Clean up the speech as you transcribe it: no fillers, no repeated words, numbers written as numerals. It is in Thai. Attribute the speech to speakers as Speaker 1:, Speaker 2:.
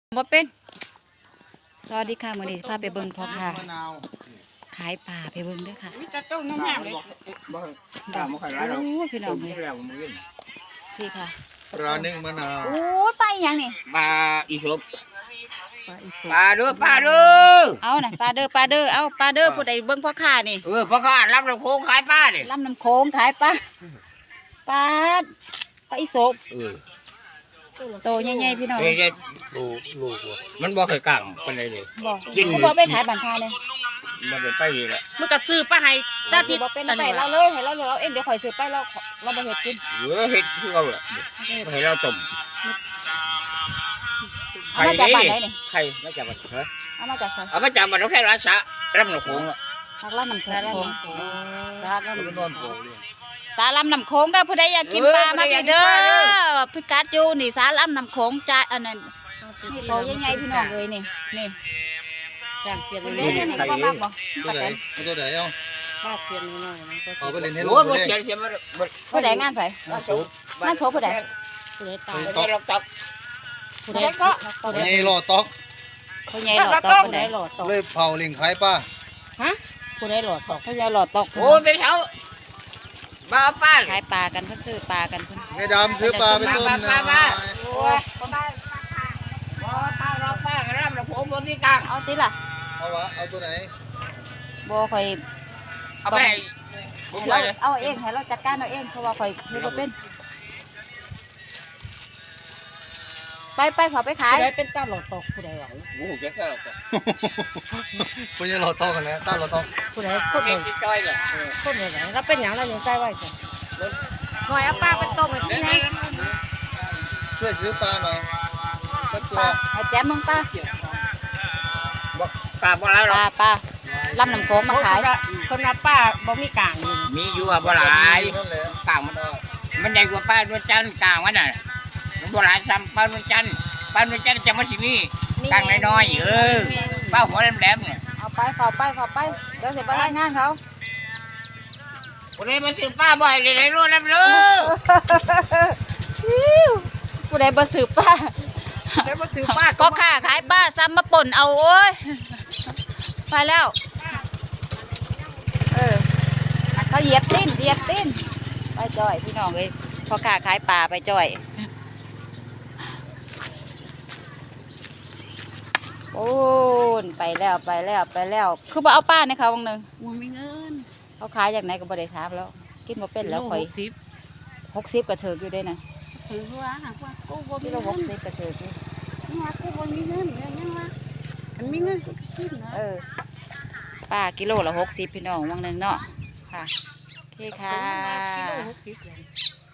Speaker 1: บ่เป็นสวัสดีค่ะมื้อนี้พาไปเบิ่งพ่อค่ะขายปลาไปเบิ่งเด้อค่ะ
Speaker 2: มีแต่ต้นน้ำเลย
Speaker 1: โอ้ยพี่น้องเลยพี่ค่ะ
Speaker 3: ปลานึ่งมะนาว
Speaker 1: โอ้ยไปอีหยังนี่
Speaker 4: ปลาอีสบปลาเด้อ
Speaker 1: เอาน่ะปลาเด้อเอาปลาเด้อผู้ใดเบิ่งพ่อค้านี่
Speaker 4: พ่อค้ารับน้ำโค้งขายปลาเนี่ย
Speaker 1: ลำน้ำโขงขายปลาอีสบโตใหญ่ๆพี่น้อง
Speaker 4: ลูกมันบ่เคยกลางปานใดเลย
Speaker 1: กินบ่ไปขายบ้านค้าเลย
Speaker 4: มันไปดีละ
Speaker 2: มันก็ซื้อปลาให้
Speaker 1: ตาทิศเป็นไปเราเลยให้เราเองเดี๋ยวข่อยซื้อไปเราบ่เฮ็ดกิน
Speaker 4: เฮ็ดคือเอาล่ะให้เราต้ม
Speaker 1: เอามาจากบ้านไหนนี่
Speaker 4: ไข่มาจากบ้านฮะ
Speaker 1: เอามาจากไส
Speaker 4: เอามาจากบ้านเราแค่ราชะรับน้ำโค้ง
Speaker 1: จากลำน้ำโขง
Speaker 3: สา
Speaker 1: ลำน้ำโขงเด้อผู้ใดอยากกินปลามาพี่เด้อพิกัดอยู่นี่สาลำน้ำโขงจ่ายอันนั้นนี่โตใหญ่ๆพี่น้องเอ้ยนี่
Speaker 2: จ้างเสียง
Speaker 1: เล่นนี่บ่มากบ่
Speaker 3: ตัวไหนตัวไหนเอา
Speaker 2: ป้าเสียงน้อยๆ
Speaker 3: เอาไปเล่นให้ลู
Speaker 4: โอ้
Speaker 3: ก
Speaker 4: บ่
Speaker 3: เล่น
Speaker 4: เสียมัน
Speaker 1: ผู้ใดงานไผงานโชว์ผู้ใด
Speaker 2: ผู้ใดตาย
Speaker 4: ได้รับตัก
Speaker 2: ผู้ใดก็ผู้ใด
Speaker 3: นี่รอตอก
Speaker 1: ผู้ใหญ่หลอดตอกผู้ใด
Speaker 2: หลอดตก
Speaker 3: เลยเผาลิงขายป้า
Speaker 2: ฮะผู้ใดหลอดตก
Speaker 1: ผู้ใหญ่หลอดตอก
Speaker 4: โอ้ไปเช้าบ้าป้า
Speaker 1: ขายปลากันเพิ่นซื้อปลากันเพิ่น
Speaker 3: แม่ดำซื้อปลาไปต้มนะ
Speaker 4: โอ้ยป้าเราป้ารับน้ำโค้งบ่มีกลาง
Speaker 1: เอาติล่ะ
Speaker 3: เอาตัวไหน
Speaker 1: บ่ค่อย
Speaker 4: เอาไปผมไปเลย
Speaker 1: เอาเองให้เราจัดการเอาเองเพราะว่าข่อยเฮ็ดบ่เป็นไปขอไปขาย
Speaker 2: ผู้ใดเป็นตาหลอดตกผู้ใดหวัง
Speaker 4: โอ้โหเจ๊ก็เอาไป
Speaker 3: คุณยังรอตอกกันแล้วต้ารอตอก
Speaker 2: ผู้ใดคน
Speaker 4: เจ๊ที่จ้อยเลย
Speaker 2: คนไหนเราเป็นอย่างเรายังใจไว้จ้ะหน่อยเอาป้าเป็นต้มให้พี่นะ
Speaker 3: ช่วยซื้อปลาหน่อยสักตัว
Speaker 1: ให้แจ๊มมึงป้า
Speaker 4: ปลาบ่แล้วหรอ
Speaker 1: ปลาลำน้ำโขงมาขาย
Speaker 2: คนนับป้าบ่มีกลางอยู่
Speaker 4: มีอยู่อ่ะบ่หลาย
Speaker 3: นั่นแหละ
Speaker 4: กลางมันใหญ่กว่าป้านวลจันทร์กลางมันน่ะมันบ่หลายซ้ำป้านวลจันทร์จะมาสิมีกลางน้อยๆป้าหัวแหลมๆเนี่ย
Speaker 1: เอาไปขอไปเดี๋ยวสิไปทำงานเขา
Speaker 4: ผู้ใดมาซื้อป้าบ่อยเลยรู้แล้วรู้
Speaker 1: ผู้ใดบ่ซื้อป้า
Speaker 2: ได้มาถือป้า
Speaker 1: ก็ค่าขายป้าซ้ำมาป่นเอาโอ้ยไปแล้วเขาเหยียบตีนไปจ่อยพี่น้องเอ้ยพอค่าขายปลาไปจ่อยโอ้นไปแล้วคือบ่เอาป้าในเขาบางนึง
Speaker 2: บ่มีเงิน
Speaker 1: เขาขายจากไหนก็บ่ได้ทราบแล้วกินบ่เป็นแล้วข่อย60ก็เถิกอยู่ได้น่ะ
Speaker 2: ถือว่าหากว่ากูบ่มี
Speaker 1: กิโล
Speaker 2: เงิน
Speaker 1: 60ก็เถิกอยู่
Speaker 2: ว่ากูบ่มีเงินยังว่ามันมีเงินกูกินนะ
Speaker 1: ป้ากิโลละ60พี่น้องบางนึงเนาะค่ะโอเคค่ะ
Speaker 2: กิโล60